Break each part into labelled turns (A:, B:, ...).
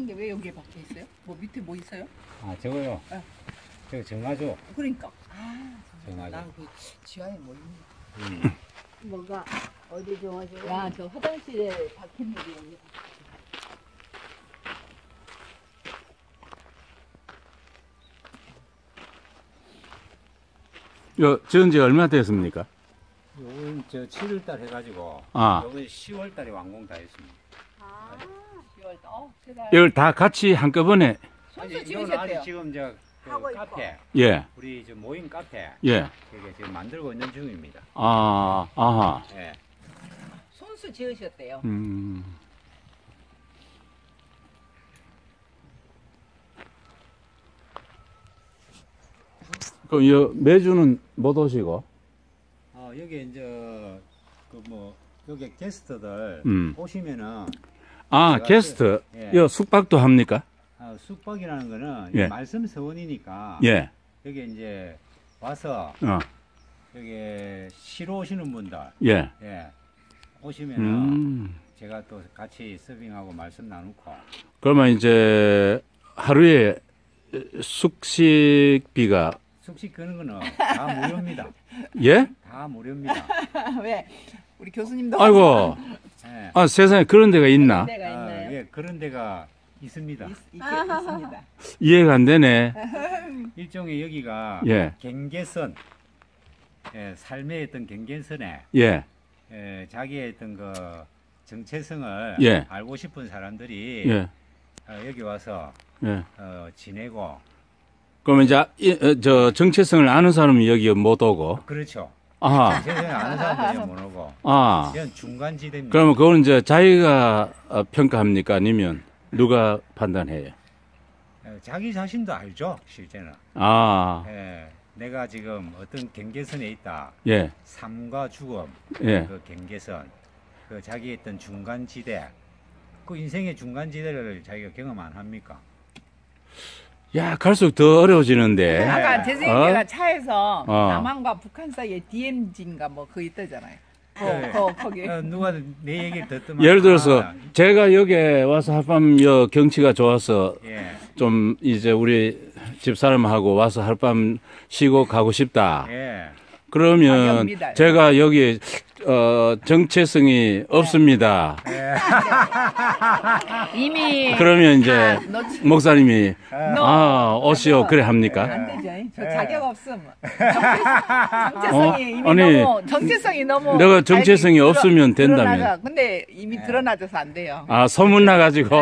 A: 있는 게 왜 여기에 박혀 있어요? 뭐 밑에 뭐 있어요?
B: 아, 저거요?
A: 네.
B: 저거 정화조.
A: 그러니까. 아,
B: 정화조.
A: 난그 지하에 뭐 있는 거.
C: 뭐가 어디 좋아져?
A: 야, 저 화장실에 박힌 게 여기.
D: 지은 지 얼마 됐습니까?
B: 요건 저 7월달 해가지고.
D: 아.
B: 요건 10월달에 완공 다 했습니다.
A: 아, 10월. 제가
D: 이걸 다 같이 한꺼번에.
A: 손수
B: 이건
A: 지으셨대요.
B: 아직 지금 그
C: 하고 있고.
B: 카페.
D: 예.
B: 우리 저 모임 카페.
D: 예.
B: 그게 지금 만들고 있는 중입니다.
D: 아, 아하.
B: 예.
A: 손수 지으셨대요.
D: 그럼 매주는 못 오시고?
B: 여기 이제 그 뭐 여기 게스트들 오시면은
D: 아,
B: 제가
D: 게스트.
B: 예.
D: 숙박도 합니까?
B: 숙박이라는 거는
D: 예.
B: 말씀 서원이니까
D: 예.
B: 여기 이제 와서 여기 쉬러 오시는 분들
D: 예.
B: 예. 오시면은 제가 또 같이 서빙하고 말씀 나누고.
D: 그러면 이제 하루에 숙식비가
B: 숙식 끄는 거는 다 무료입니다.
D: 예?
B: 다 무료입니다.
A: 왜? 우리 교수님도
D: 아이고.
B: 예.
D: 아, 세상에 그런 데가 있나?
A: 데가 있나요?
B: 예, 그런 데가 있습니다.
A: 있습니다.
D: 이해가 안 되네.
B: 일종의 여기가
D: 예.
B: 경계선, 예, 삶의 어떤 경계선에
D: 예.
B: 자기의 어떤 그 정체성을
D: 예.
B: 알고 싶은 사람들이
D: 예.
B: 여기 와서
D: 예.
B: 지내고.
D: 그러면 이제 저 정체성을 아는 사람이 여기 못 오고.
B: 그렇죠.
D: 아하.
B: 세상에 아는 사람들이 못 오고.
D: 아.
B: 이건 중간 지대입니다.
D: 그러면 그거는 이제 자기가 평가합니까? 아니면 누가 판단해요?
B: 자기 자신도 알죠, 실제는.
D: 아.
B: 예, 내가 지금 어떤 경계선에 있다.
D: 예.
B: 삶과 죽음,
D: 예.
B: 그 경계선, 그 자기의 어떤 중간 지대, 그 인생의 중간 지대를 자기가 경험 안 합니까?
D: 야, 갈수록 더 어려워지는데.
A: 아까
B: 예.
A: 재생이가 차에서
D: 어.
A: 남한과 북한 사이에 DMZ인가 뭐 그거 있다잖아요.
B: 예.
A: 거기.
B: 누가 내 얘기를 듣더만.
D: 예를 들어서 제가 여기에 와서 하룻밤 경치가 좋아서
B: 예,
D: 좀 이제 우리 집사람하고 와서 하룻밤 쉬고 가고 싶다.
B: 예.
D: 그러면
A: 당연합니다.
D: 제가 여기 정체성이 없습니다.
A: 이미
D: 그러면 이제
A: 넣지.
D: 목사님이
A: 너.
D: 오시오 그래 합니까?
A: 안 되죠. 저
B: 예.
A: 자격 없음. 정체성이 이미
D: 아니,
A: 너무 정체성이 너무
D: 내가 정체성이
A: 알기
D: 없으면 된다면.
A: 드러나서. 근데 이미 드러나져서 안 돼요.
D: 아, 소문 나가지고.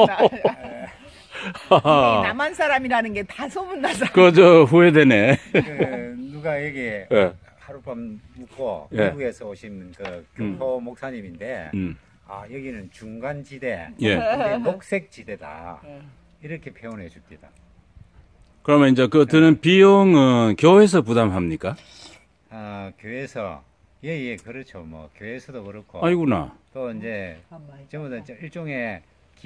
A: 이 남한 사람이라는 게 다 소문나서.
D: 그저 후회되네.
B: 누가 여기
D: 예.
B: 하룻밤 묵고
D: 예.
B: 미국에서 오신 그 교포 목사님인데, 여기는 중간 지대,
D: 예.
B: 근데 녹색 지대다. 이렇게 표현해 줍니다.
D: 그러면 이제 그 드는 비용은 교회에서 부담합니까?
B: 교회에서 예, 그렇죠. 뭐 교회에서도 그렇고.
D: 아이구나.
B: 또 이제 전부 다 일종의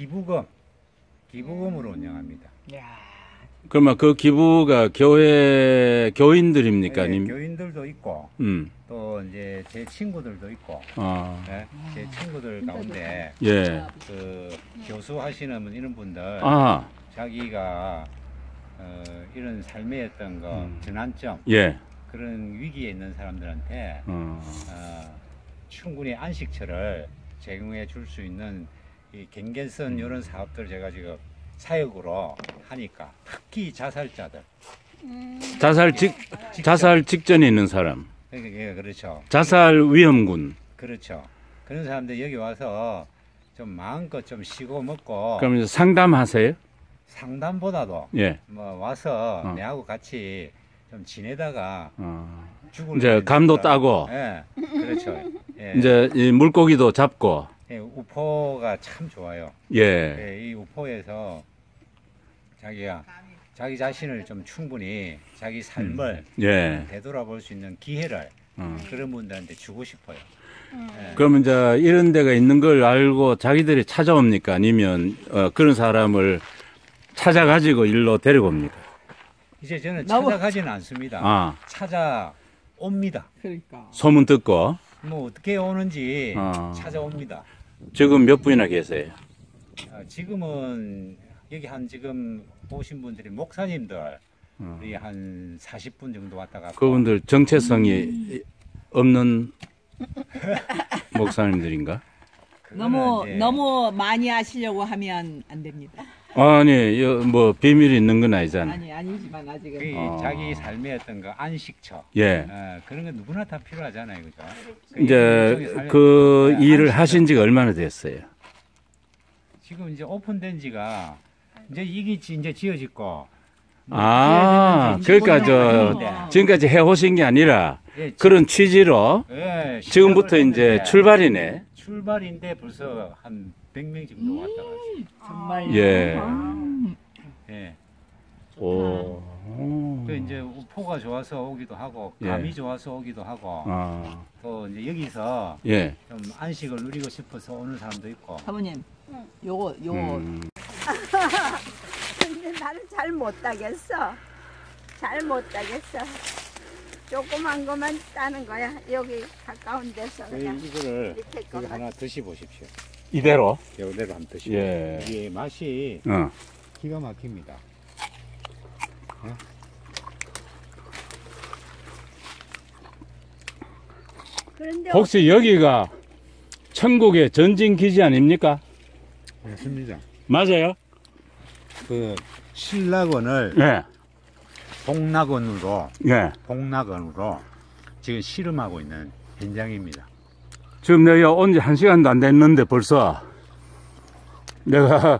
B: 기부금으로 운영합니다.
A: 야.
D: 그러면 그 기부가 교인들입니까?
B: 예,
D: 아니면
B: 교인들도 있고, 또 이제 제 친구들도 있고, 예, 제 친구들 가운데
D: 예.
B: 그 교수 하시는 이런 분들,
D: 아,
B: 자기가 이런 삶의 어떤 거 전환점,
D: 예.
B: 그런 위기에 있는 사람들한테 충분히 안식처를 제공해 줄 수 있는 이 경계선 이런 사업들 제가 지금 사역으로 하니까, 특히 자살자들.
D: 자살 직전에 있는 사람.
B: 예, 그렇죠.
D: 자살 위험군.
B: 그렇죠. 그런 사람들 여기 와서 좀 마음껏 좀 쉬고 먹고.
D: 그럼 이제 상담하세요?
B: 상담보다도
D: 예.
B: 뭐 와서 내하고 같이 좀 지내다가 죽을
D: 이제
B: 일은
D: 감도
B: 있을까?
D: 따고.
B: 예, 그렇죠. 예.
D: 이제 이 물고기도 잡고.
B: 예, 우포가 참 좋아요.
D: 예.
B: 예, 이 우포에서 자기가 자기 자신을 좀 충분히 자기 삶을
D: 예.
B: 되돌아볼 수 있는 기회를 그런 분들한테 주고 싶어요. 예.
D: 그러면 이제 이런 데가 있는 걸 알고 자기들이 찾아옵니까? 아니면 그런 사람을 찾아가지고 일로 데려옵니까?
B: 이제 저는 찾아가지는 않습니다. 찾아옵니다.
A: 그러니까.
D: 소문 듣고.
B: 뭐 어떻게 오는지 찾아옵니다.
D: 지금 몇 분이나 계세요?
B: 지금은 여기 한 지금 오신 분들이 목사님들 우리 한 40분 정도 왔다 갔고
D: 그분들 정체성이 없는 목사님들인가?
B: 그거는 이제
A: 너무 많이 하시려고 하면 안 됩니다.
D: 아니, 뭐 비밀이 있는 건 아니잖아.
A: 아니지만 아직은.
B: 그 자기 삶의 어떤 그 안식처
D: 예.
B: 그런 건 누구나 다 필요하잖아요, 그죠?
D: 이제 그 일을 하신 지가 얼마나 됐어요?
B: 지금 이제 오픈된 지가 이제 이게 이제 지어졌고
D: 아, 그러니까 지금까지 해오신 게 아니라
B: 예,
D: 그런 취지로
B: 예,
D: 지금부터
B: 시작을
D: 이제
B: 했는데
D: 출발이네.
B: 출발인데 벌써 한 100명 정도 왔다 갔어요.
A: 정말.
D: 예.
B: 예.
D: 오.
B: 그 이제 포가 좋아서 오기도 하고
D: 예.
B: 감이 좋아서 오기도 하고
D: 아,
B: 또 이제 여기서
D: 예.
B: 좀 안식을 누리고 싶어서 오는 사람도 있고.
A: 사모님, 요거
C: 근데 나는 잘 못 따겠어. 잘 못 따겠어. 조그만 것만 따는 거야. 여기 가까운 데서 그냥
B: 이거를
C: 밑에
B: 이거
C: 것만.
B: 하나 드셔보십시오.
D: 이대로?
B: 이대로 한번 드시고
D: 예.
B: 이게 맛이 기가 막힙니다.
C: 그런데
D: 혹시 여기가 천국의 전진 기지 아닙니까?
B: 맞습니다.
D: 맞아요?
B: 그 신락원을
D: 예.
B: 복락원으로
D: 예.
B: 지금 실험하고 있는 현장입니다.
D: 지금 내가 온 지 1시간도 안 됐는데 벌써 내가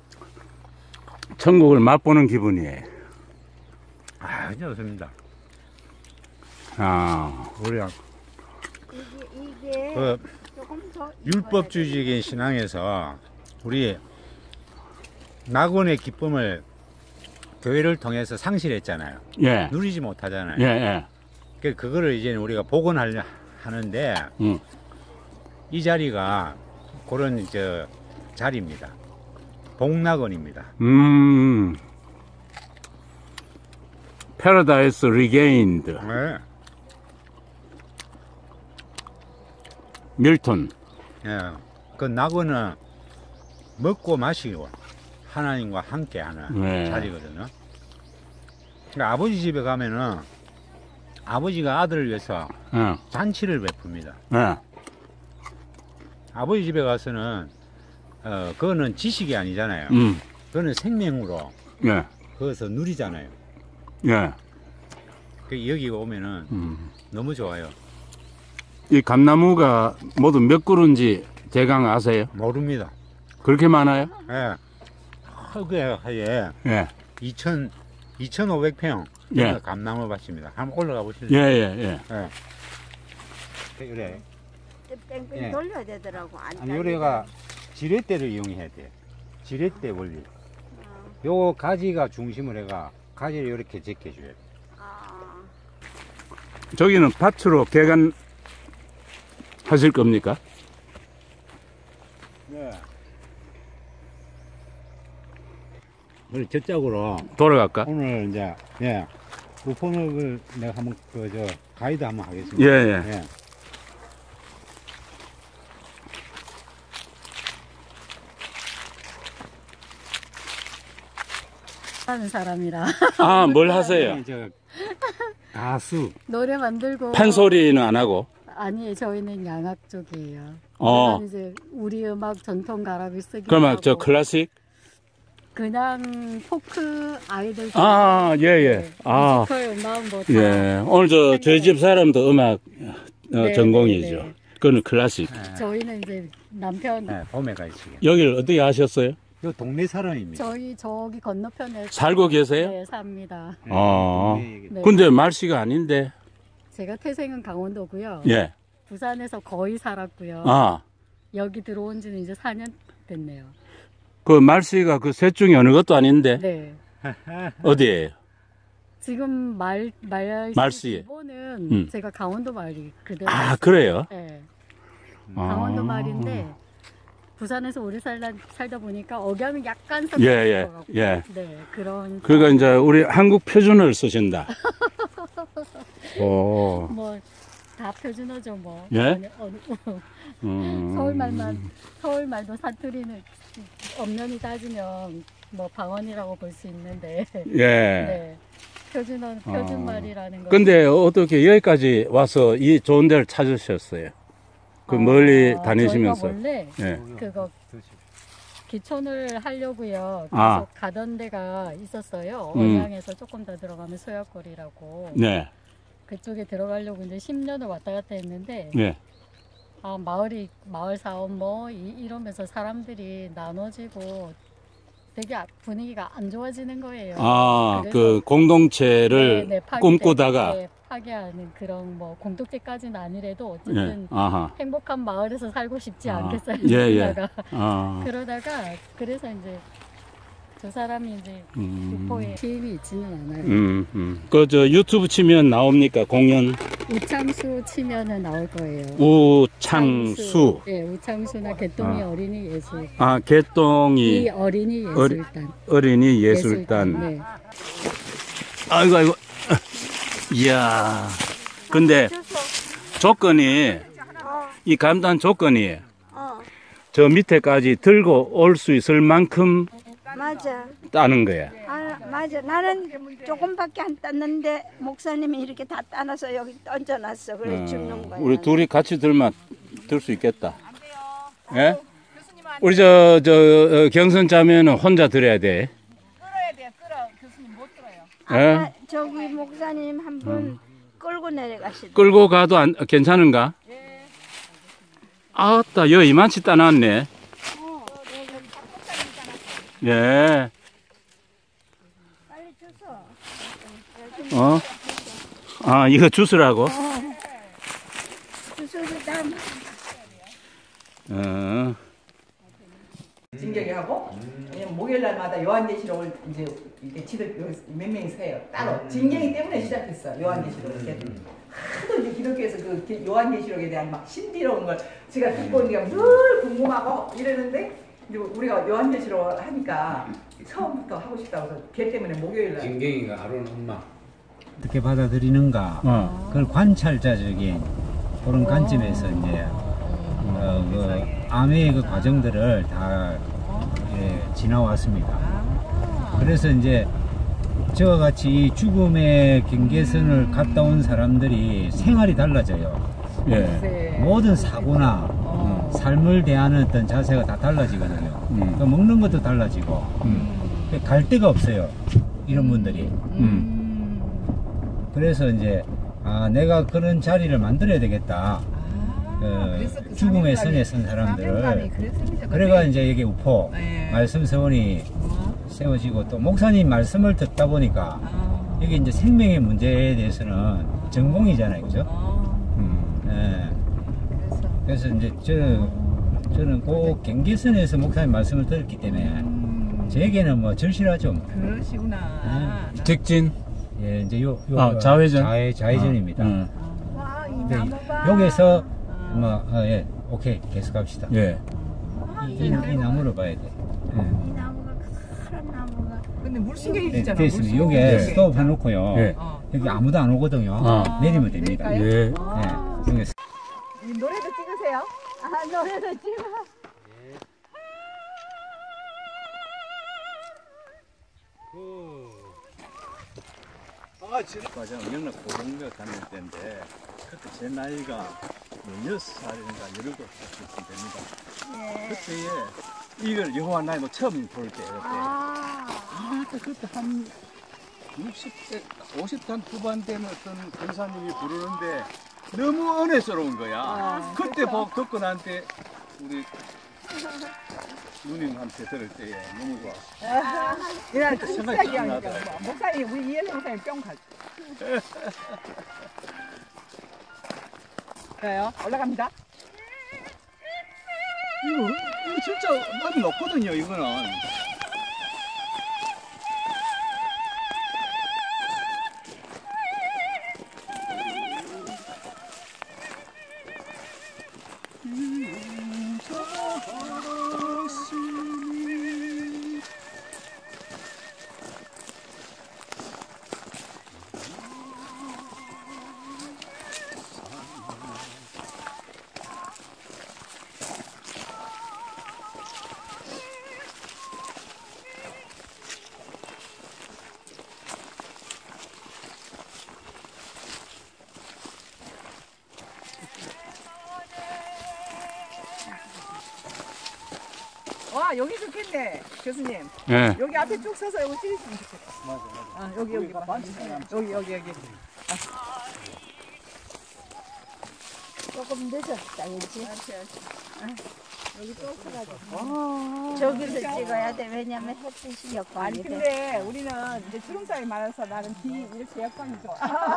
D: 천국을 맛보는 기분이에요.
B: 아, 좋습니다.
D: 아,
B: 우리가
C: 이게
B: 그
C: 조금 더
B: 율법주의적인 신앙에서 우리 낙원의 기쁨을 교회를 통해서 상실했잖아요.
D: 예.
B: 누리지 못하잖아요.
D: 예, 예.
B: 그거를 이제 우리가 복원하려 하는데 이 자리가 그런 자리입니다. 복락원입니다.
D: Paradise Regained.
B: 네.
D: 밀턴.
B: 예. 그 낙원은 먹고 마시고 하나님과 함께하는
D: 네.
B: 자리거든요. 그러니까 아버지 집에 가면은 아버지가 아들을 위해서
D: 예.
B: 잔치를 베풉니다.
D: 예.
B: 아버지 집에 가서는 그거는 지식이 아니잖아요. 그거는 생명으로
D: 예.
B: 거기서 누리잖아요.
D: 예.
B: 그 여기 오면은 너무 좋아요.
D: 이 감나무가 모두 몇 그루인지 대강 아세요?
B: 모릅니다.
D: 그렇게 많아요?
B: 예. 그게 예.
D: 예.
B: 2,500평
D: 예.
B: 감나무 밭입니다. 한번 올라가 보실래요?
D: 예, 예, 예.
B: 그래.
C: 뺑뺑
B: 예.
C: 돌려야 되더라고. 안
B: 아니 요래가 지렛대를 이용해야 돼. 지렛대 원리. 요 가지가 중심을 해가 가지를 이렇게 제껴줘야 돼.
C: 아,
D: 저기는 밭으로 개간 하실 겁니까?
B: 네. 우리 저쪽으로
D: 돌아갈까?
B: 오늘 이제 우폰업을 내가 한번 가이드 한번 하겠습니다.
D: 예, 예.
B: 예.
E: 하는 사람이라
D: 아, 뭘 하세요?
B: 가수.
E: 노래 만들고
D: 판소리는 안 하고?
E: 아니 저희는 양악 쪽이에요.
D: 어.
E: 저는 이제 우리 음악 전통 가락을 쓰기
D: 그러면
E: 하고
D: 저 클래식?
E: 그냥 포크 아이들
D: 아, 예, 예. 아,
E: 뮤지컬 음악 뭐 다.
D: 예. 오늘 저희 집 사람도 음악
E: 네,
D: 전공이죠.
E: 네, 네.
D: 그거는 클래식.
E: 저희는 이제 남편
B: 네, 봄에 가시게.
D: 여기를 어떻게 하셨어요?
B: 요 동네 사람입니다.
E: 저희 저기 건너편에
D: 살고 계세요?
E: 네, 삽니다.
D: 아.
E: 네.
D: 근데 말씨가 아닌데.
E: 제가 태생은 강원도고요.
D: 예.
E: 부산에서 거의 살았고요.
D: 아.
E: 여기 들어온 지는 이제 4년 됐네요.
D: 그 말씨가 그 셋 중에 어느 것도 아닌데.
E: 네.
D: 어디에요?
E: 지금
D: 말씨.
E: 기본은 제가 강원도 말이 그대로.
D: 아, 그래요?
E: 네.
D: 아.
E: 강원도 말인데 부산에서 오래 살다 보니까 억양은 약간
D: 예, 예,
E: 것 같고.
D: 예.
E: 네, 그런.
D: 그러니까 이제 우리 한국 표준어를 쓰신다. 오.
E: 뭐 다 표준어죠 뭐.
D: 예?
E: 서울말도 사투리는 엄연히 따지면 뭐 방언이라고 볼 수 있는데.
D: 예.
E: 네. 표준말이라는 거.
D: 근데 어떻게 여기까지 와서 이 좋은 데를 찾으셨어요? 그 멀리 다니시면서.
E: 저희가 원래
D: 예.
E: 그거 기촌을 하려고요. 계속
D: 아.
E: 가던 데가 있었어요.
D: 음.
E: 언양에서 조금 더 들어가면 소약거리라고.
D: 네.
E: 그쪽에 들어가려고 이제 10년을 왔다 갔다 했는데
D: 네.
E: 아, 마을 사업 뭐 이러면서 사람들이 나눠지고 되게 분위기가 안 좋아지는 거예요.
D: 아,
E: 그래서
D: 그 공동체를
E: 네,
D: 꿈꾸다가.
E: 네, 파괴하는 그런 뭐 공동체까지는 아니래도
D: 예.
E: 어쨌든
D: 아하.
E: 행복한 마을에서 살고 싶지
D: 아,
E: 않겠어요.
D: 예, 예.
E: 그러다가.
D: 아.
E: 그러다가 그래서 이제 저 사람이 이제 육포에 게임이 있지는 않아요.
D: 그 유튜브 치면 나옵니까? 공연
E: 우창수 치면은 나올 거예요.
D: 우창수.
E: 예, 우창수나 개똥이 어린이 예술.
D: 아, 개똥이
E: 이 어린이 예술단.
D: 어린이 예술단.
E: 네.
D: 아이고 아이고. 이야. 근데 조건이 이 감단 조건이 저 밑에까지 들고 올 수 있을 만큼
C: 맞아.
D: 따는 거야.
C: 아, 맞아. 나는 조금밖에 안 땄는데 목사님이 이렇게 다 따놔서 여기 던져놨어. 그래 죽는 거야.
D: 우리 둘이 같이 들면 들 수 있겠다. 예? 우리 저 경선 짜면은 혼자 들어야 돼.
A: 끌어야 돼요. 끌어. 교수님 못 들어요.
D: 예?
C: 아까 저기 목사님 한 분 끌고 내려가시더라고.
D: 끌고 가도 괜찮은가? 아따, 여 이만치 따놨네. 예.
C: 빨리 주소.
D: 어? 아, 이거 주스라고?
C: 주소도 다
D: 어.
A: 진격이 하고 왜냐면 목요일 날마다 요한계시록을 이제 이렇게 지들 여기 몇 명이서 해요. 따로 진경이 때문에 시작했어. 요한계시록 이렇게 하도 이제 기독교에서 그 요한계시록에 대한 막 신비로운 걸 제가 듣고 있는 게 늘 궁금하고 이러는데 이제 우리가 요한계시록 하니까 처음부터 하고 싶다고 해서 걔 때문에 목요일 날
B: 진경이가 아론 엄마 어떻게 받아들이는가 그걸 관찰자적인 그런 관점에서 이제 그 암의 그 과정들을 다 지나왔습니다. 그래서 이제 저와 같이 죽음의 경계선을 갔다 온 사람들이 생활이 달라져요.
D: 예.
C: 모든 사고나 삶을 대하는 어떤 자세가 다 달라지거든요. 그러니까 먹는 것도 달라지고 갈 데가 없어요. 이런 분들이. 그래서 이제 내가 그런 자리를 만들어야 되겠다. 죽음의 선에 선 사람들을. 그래가 이제 여기 우포 말씀 서원이 세워지고 또 목사님 말씀을 듣다 보니까 여기 이제 생명의 문제에 대해서는 전공이잖아요, 그죠? 그래서 이제 저는 꼭 경계선에서 목사님 말씀을 들었기 때문에 저에게는 뭐 절실하죠.
A: 그러시구나.
D: 직진.
C: 예, 이제
D: 좌회전.
C: 좌회전입니다.
A: 와, 이
C: 근데
A: 나무가
C: 여기서 뭐 예, 오케이 계속 갑시다.
D: 예.
C: 이 나무를 봐야 돼.
A: 이 나무가 큰 나무가. 근데 물신경이 있잖아.
C: 됐습니다. 여기에 스톱 해놓고요.
D: 예.
C: 여기 아무도 안 오거든요. 내리면 됩니다.
A: 내릴까요?
D: 예.
C: 여기
A: 이 노래도 찍으세요.
C: 노래도 찍어.
D: 과장 영락 고등학교 다닐 때인데 그때 제 나이가 16살인가 17살쯤 됩니다. 그때에 이걸 여호와 나이도 처음 볼 때였대. 그때 한 60대, 50대 후반 되면 어떤 권사님이 부르는데 너무 은혜스러운 거야. 그때 듣고 나한테 우리 누님한테 들을 때에 너무 좋았어.
A: 그냥
D: 생각이
A: 시작이
D: 나더라고.
A: 아니니까 목사님 우리 이혜성 목사님 뿅 가죠. 그래요? 올라갑니다.
D: 이거 진짜 많이 높거든요, 이거는.
A: 아, 여기 좋겠네, 교수님.
C: 예.
A: 여기 앞에 쭉 서서 여기 찍으시면 좋겠다.
D: 맞아.
A: 아, 여기 봐. 여기.
F: 조금 늦었다, 그렇지?
A: 여기 쭉 서가지고.
F: 저기서 찍어야 돼. 왜냐면 햇빛이
A: 아니
F: 역광이 돼.
A: 근데 우리는 이제 주름살이 많아서 나는 뒤 이렇게 역광이 좋아.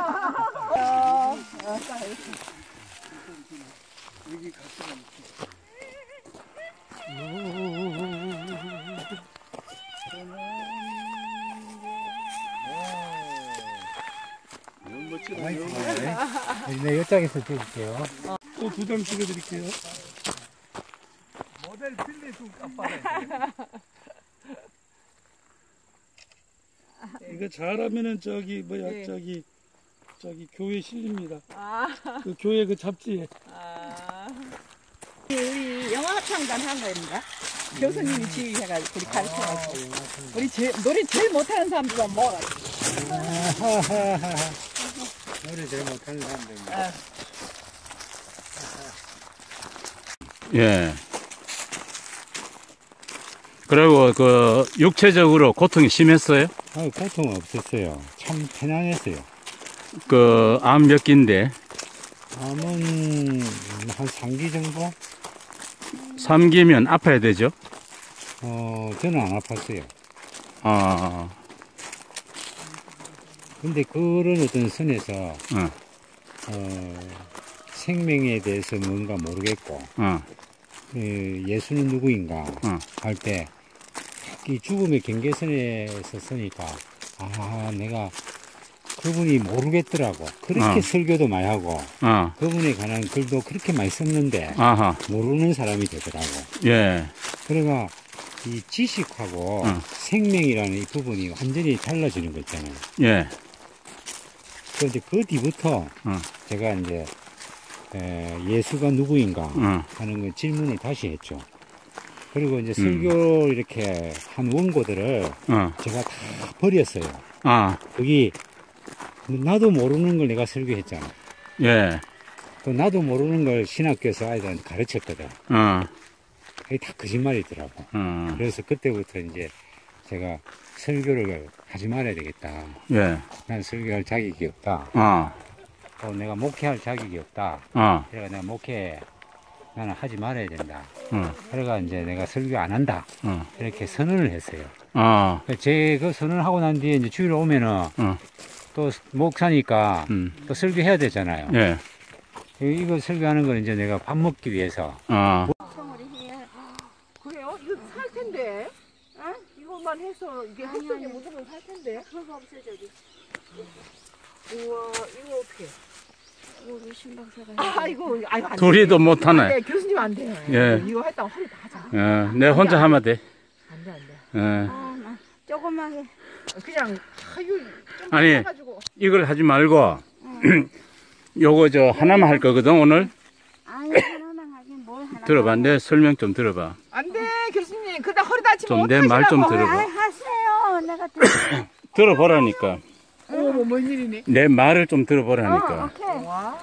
D: 여기 같이 너무 멋지다.
C: 네, 이쪽에서 찍을게요.
D: 또 두 장 찍어드릴게요. 모델 필리수 깜빡해. 이거 잘하면은 저기 뭐야
A: 네.
D: 저기 교회 실립니다. 그 교회 그 잡지에.
A: 우리 영화창단 한 거입니다. 교수님이 지휘해가지고 우리 가르쳐가지고 우리 노래 제일 못하는 사람들만 모아가지고.
C: 노래 제일 못하는 사람들.
G: 예. 그리고 그 육체적으로 고통이 심했어요?
C: 고통 없었어요. 참 편안했어요.
G: 그 암 몇 기인데?
C: 암은 한 3기 정도?
G: 3기면 아파야 되죠?
C: 저는 안 아팠어요.
G: 아,
C: 근데 그런 어떤 선에서
G: 응.
C: 생명에 대해서 뭔가 모르겠고 예수는 누구인가 할 때 이 죽음의 경계선에서 서니까 내가 그분이 모르겠더라고. 그렇게 설교도 많이 하고 그분에 관한 글도 그렇게 많이 썼는데
G: 아하.
C: 모르는 사람이 되더라고.
G: 예.
C: 그러니까 이 지식하고 생명이라는 이 부분이 완전히 달라지는 거 있잖아요.
G: 예.
C: 그런데 그 뒤부터 제가 이제 예수가 누구인가 하는 그 질문을 다시 했죠. 그리고 이제 설교 이렇게 한 원고들을 제가 다 버렸어요. 거기 나도 모르는 걸 내가 설교했잖아.
G: 예.
C: 또 나도 모르는 걸 신학교에서 아이들한테 가르쳤거든. 그게 다 거짓말이더라고. 그래서 그때부터 이제 제가 설교를 하지 말아야 되겠다.
G: 예.
C: 난 설교할 자격이 없다. 또 내가 목회할 자격이 없다. 그래가 내가 목회 나는 하지 말아야 된다. 그래가 이제 내가 설교 안 한다. 이렇게 선언을 했어요. 제 그 선언을 하고 난 뒤에 이제 주일 오면은 또 목사니까 또 설교해야 되잖아요.
G: 예.
C: 이거 설교하는 건 이제 내가 밥 먹기 위해서.
A: 그래요? 이거 살 텐데. 이것만 해서 이게 흙속에 묻으면 살 텐데.
F: 그거 없어, 저기.
A: 우와, 이거 어떻게?
F: 우리 신박사가.
A: 이거 안 돼.
G: 둘이도 못하네.
A: 안 돼, 교수님 안 돼.
G: 예.
A: 이거 했다가 허리 다 하자.
G: 예. 내 혼자 하면 돼.
A: 안 돼, 안 돼.
G: 예.
F: 나 조그맣게.
A: 그냥 좀
G: 아니,
A: 해가지고.
G: 이걸 하지 말고, 요거 저 하나만 할 거거든, 오늘.
F: 아니, 하나만 하긴 뭘 하나.
G: 들어봐. 내 설명 좀 들어봐.
A: 안 돼, 교수님. 그러다 허리 다치면
G: 좀 내 말 좀
A: 어떡하시라고.
G: 들어봐.
F: 하세요. 내가
G: 들어보라니까.
A: 어머, 뭔 일이니?
G: 내 말을 좀 들어보라니까.
F: 오케이.
A: 와.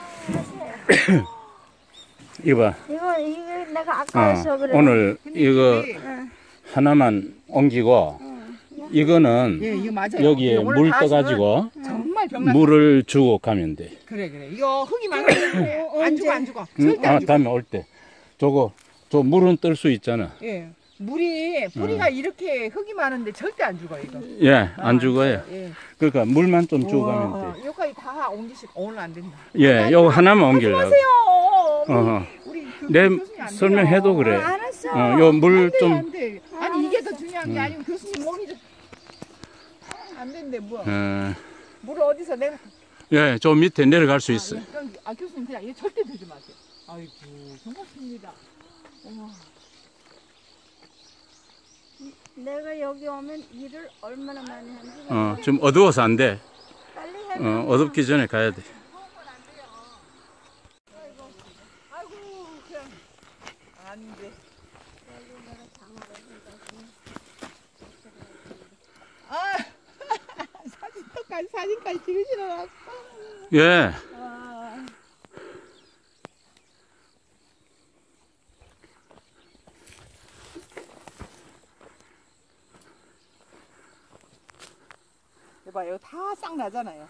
G: 이거 봐.
F: 이거 내가 아까워서 그래.
G: 오늘 이거 하나만 옮기고, 이거는
A: 예, 이거 맞아요.
G: 여기에
A: 오늘
G: 물
A: 다
G: 떠가지고
A: 정말 병만.
G: 물을 주고 가면 돼.
A: 그래. 이거 흙이 많은데 안 죽어. 절대 안 죽어.
G: 다음에 올 때. 저 물은 뜰 수 있잖아.
A: 예. 물이 뿌리가 이렇게 흙이 많은데 절대 안 죽어 이거.
G: 예, 안 죽어요.
A: 예.
G: 그러니까 물만 좀 주고 가면 돼.
A: 여기까지 다 옮기시고 오늘 안 된다.
G: 예, 요거 하나만 옮기려고.
A: 하세요.
G: 어허.
A: 우리
G: 내
A: 교수님 안 돼요.
G: 설명해도 그래.
F: 알았어.
G: 요 물
A: 안 돼,
G: 좀,
A: 안 돼. 아니 이게 더 중요한 게 아니고 교수님 몸이 안 된대 뭐. 물을 어디서 내가.
G: 예, 저 밑에 내려갈 수 있어.
A: 교수님 그냥 이거 절대 들지 마세요. 아이고 정말입니다.
F: 내가 여기 오면 일을 얼마나 많이 하는지.
G: 좀 어두워서 안 돼.
F: 빨리 해.
G: 어둡기 전에 가야 돼.
A: 아이고 그냥 안 돼. 사진까지 찍으시러 왔어.
G: 예.
A: 이봐, 여기 다 싹 나잖아요.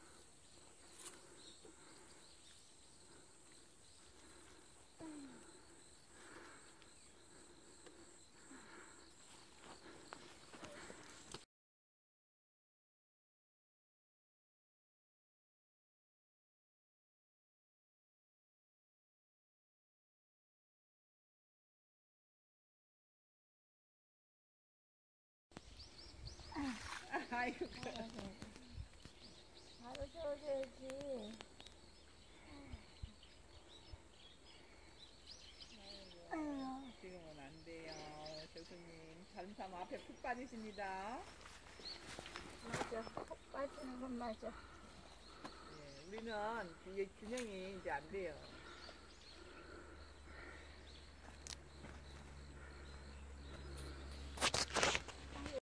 A: 아이고.
F: 바로 줘야지.
A: 지금은 안 돼요. 교수님. 잘못하면 앞에 푹 빠지십니다.
F: 맞아. 푹 빠지는 건 맞아.
A: 예, 우리는 이게 균형이 이제 안 돼요.